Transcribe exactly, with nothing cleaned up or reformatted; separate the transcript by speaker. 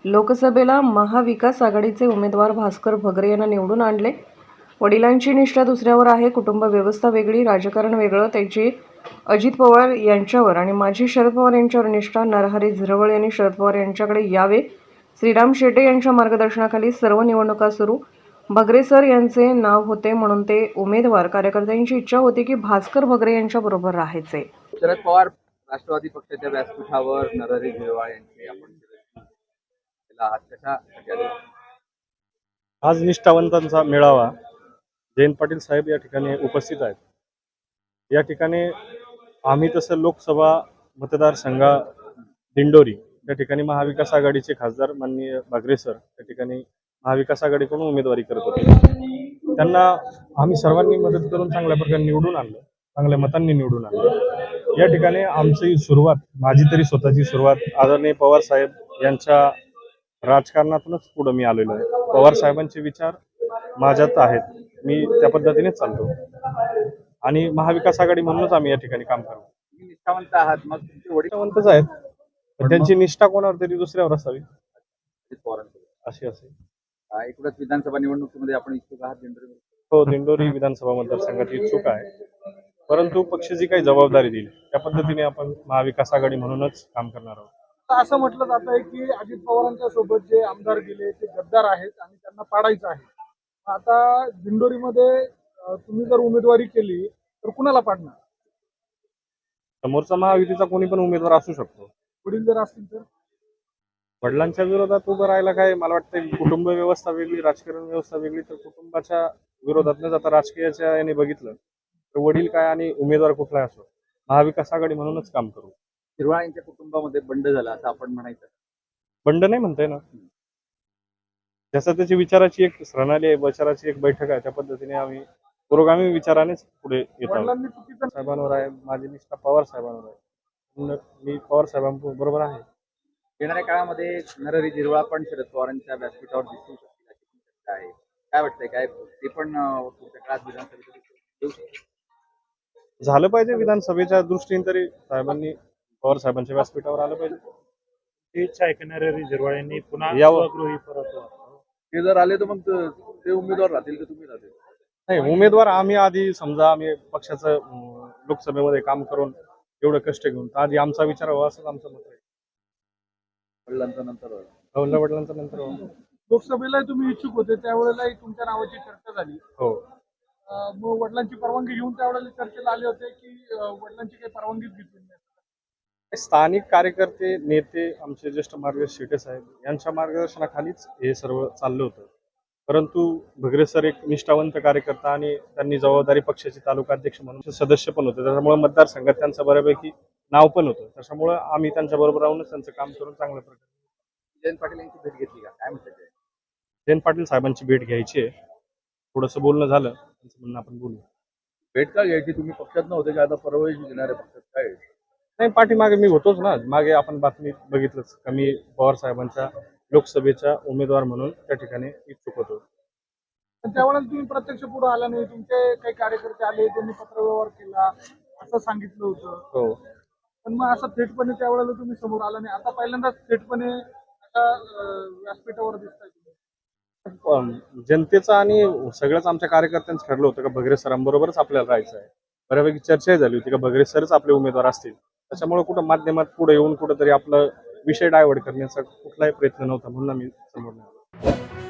Speaker 1: लोकसभेला महाविकास आघाडीचे उमेदवार भास्कर भगरे यांना निवडून आणले। वडिलांची निष्ठा दुसऱ्यावर आहे, कुटुंब व्यवस्था वेगळी, राजकारण वेगळं, त्याची अजित पवार यांच्यावर आणि माजी शरद पवार यांच्यावर निष्ठा। नरहरी झिरवळ यांनी शरद पवार यांच्याकडे यावे। श्रीराम शेटे यांच्या मार्गदर्शनाखाली सर्व निवडणुका सुरू। भगरे सर यांचे नाव होते म्हणून ते उमेदवार। कार्यकर्त्यांची इच्छा होती की भास्कर भगरे यांच्या बरोबर राहायचे।
Speaker 2: शरद पवार राष्ट्रवादी पक्षाच्या व्यासपीठावर नरहरी झिरवळ यांचे आपण आज कशासाठी आले?
Speaker 3: आज निष्ठावंतांचा मेळावा जयंत पाटील साहेब या ठिकाणी उपस्थित आहेत। या ठिकाणी आम्ही तसं लोकसभा मतदारसंघा दिंडोरी या ठिकाणी महाविकास आघाडीचे खासदार माननीय भगरे सर या ठिकाणी महाविकास आघाडीकडून उमेदवारी करत होते। त्यांना आम्ही सर्वांनी मदत करून चांगल्या प्रकारे निवडून आणलं, चांगल्या मतांनी निवडून आणलं। या ठिकाणी आमची सुरुवात, माझी तरी स्वतःची सुरुवात आदरणीय पवार साहेब यांच्या राजकारणातूनच पुढे मी आलेलो आहे। पवार साहेबांचे विचार माझ्यात आहेत, मी त्या पद्धतीनेच चालतो आणि महाविकास आघाडी म्हणूनच आम्ही या ठिकाणी काम करतो।
Speaker 2: तुम्ही निष्ठावंत आहात, मग तुमचे वडील
Speaker 3: निष्ठावंतच आहेत, पण त्यांची निष्ठा कोणावर तरी दुसऱ्यावर असावी
Speaker 2: अजित पवारांसोबत
Speaker 3: अशी असेल।
Speaker 2: अं, एकूणच विधानसभा निवडणुकीमध्ये आपण इच्छुक आहात दिंडोरी?
Speaker 3: हो, दिंडोरी विधानसभा मतदारसंघात इच्छुक आहे, परंतु पक्ष जी काही जबाबदारी दिली त्या पद्धतीने आपण महाविकास आघाडी म्हणूनच काम करणार आहोत।
Speaker 4: असं म्हटलं जात आहे की अजित पवारांच्या सोबत जे आमदार गेले ते गद्दार आहेत आणि त्यांना पाडायचं आहे। आता दिंडोरीमध्ये अं, तुम्ही जर उमेदवारी केली तर कुणाला पाडणार?
Speaker 3: समोरचा महायुतीचा कोणी पण उमेदवार असू शकतो।
Speaker 4: वडील जर असतील तर
Speaker 3: वडिलांच्या विरोधात उभं राहायला काय, मला वाटतं कुटुंब व्यवस्था वेगळी, राजकारण व्यवस्था वेगळी, तर कुटुंबाच्या विरोधात न जाता राजकीयाच्या याने बघितलं तर वडील काय आणि उमेदवार कुठलाही असो, महाविकास आघाडी म्हणूनच काम करू।
Speaker 2: झिरवळ यांच्या कुटुंबामध्ये बंड झाला असं आपण म्हणायचं?
Speaker 3: बंड नाही म्हणताय ना, जसं त्याची विचाराची एक प्रणाली आहे, विचाराची एक बैठक आहे, त्या पद्धतीने आम्ही पुरोगामी विचारानेच पुढे येत आहोत।
Speaker 4: वडिलांनी चुकीचं
Speaker 3: साहेबांवर आहे, माझी निष्ठा पवार साहेबांवर आहे, न- मी पवार साहेबांबरोबर आहे।
Speaker 2: येणाऱ्या काळामध्ये नरहरी झिरवळ पण शरद पवारांच्या व्यासपीठावर दिसू शकतील अशी शक्यता आहे, काय वाटतंय? काय ते पण अं, पुढच्या काळात विधानसभेत येऊ शकतील?
Speaker 3: झालं पाहिजे, विधानसभेच्या दृष्टीने तरी साहेबांनी पवार साहेबांच्या व्यासपीठावर आलं पाहिजे।
Speaker 5: ही इच्छा आहे की नरहरी झिरवळ यांनी पुन्हा
Speaker 3: यावं.
Speaker 5: स्वगृही परत
Speaker 2: ते जर आले तर मग ते उमेदवार राहतील का तुम्ही राहतील?
Speaker 3: नाही, उमेदवार आम्ही आधी समजा आम्ही पक्षाचं अं, लोकसभेमध्ये काम करून एवढं कष्ट घेऊन तर आधी आमचा विचार व्हावा असंच आमचं मत आहे।
Speaker 2: वडिलांचा नंतर
Speaker 3: वडिला वडिलांचा नंतर व्हावा।
Speaker 4: लोकसभेला तुम्ही इच्छुक होते त्यावेळेलाही तुमच्या नावाची चर्चा झाली।
Speaker 3: हो,
Speaker 4: अं, मग वडिलांची परवानगी घेऊन त्यावेळेला चर्चेला आले होते की अं, वडिलांची काही परवानगीच घेतली नाही?
Speaker 3: स्थानिक कार्यकर्ते, नेते, आमचे ज्येष्ठ मार्गदर्शक शेटे साहेब यांच्या मार्गदर्शनाखालीच हे सर्व चाललं होतं। परंतु भगरे सर एक निष्ठावंत कार्यकर्ता आणि त्यांनी जबाबदारी पक्षाचे तालुका अध्यक्ष म्हणून सदस्य पण होते, त्याच्यामुळे मतदारसंघात त्यांचं बऱ्यापैकी नाव पण होतं। त्याच्यामुळे आम्ही त्यांच्या बरोबर राहूनच त्यांचं काम करून चांगल्या प्रकारे।
Speaker 2: जयंत पाटील यांची भेट घेतली का, काय म्हणतात ते?
Speaker 3: जयंत पाटील साहेबांची भेट घ्यायची आहे, थोडंसं बोलणं झालं, त्यांचं म्हणणं आपण बोलू।
Speaker 2: भेट का घ्यायची? तुम्ही पक्षात नव्हते का, आता परवाही घेणाऱ्या पक्षात काय आहे?
Speaker 3: नाही, पाठीमागे मी होतोच ना, मागे आपण बातमी बघितलंच का मी पवार साहेबांच्या लोकसभेचा उमेदवार म्हणून त्या ठिकाणी इच्छुक होतो।
Speaker 4: पण त्यावेळेला तुम्ही प्रत्यक्ष पुढे आला नाही, तुमचे काही कार्यकर्ते आले, त्यांनी पत्रव्यवहार केला असं सांगितलं होतं।
Speaker 3: हो,
Speaker 4: पण मग असं थेटपणे त्यावेळेला तुम्ही समोर आला नाही, आता पहिल्यांदाच थेटपणे आता अं, व्यासपीठावर दिसताय तुम्ही।
Speaker 3: पण जनतेचं आणि सगळ्याच आमच्या कार्यकर्त्यांचं ठरलं होतं का भगरे सरांबरोबरच आपल्याला राहायचं आहे। बऱ्यापैकी चर्चाही झाली होती का भगरे सरच आपले उमेदवार असतील, त्याच्यामुळे कुठं माध्यमात पुढे येऊन कुठंतरी आपला विषय डायव्हर्ट करण्याचा कुठलाही प्रयत्न नव्हता, म्हणून आम्ही समोर नाही आलो।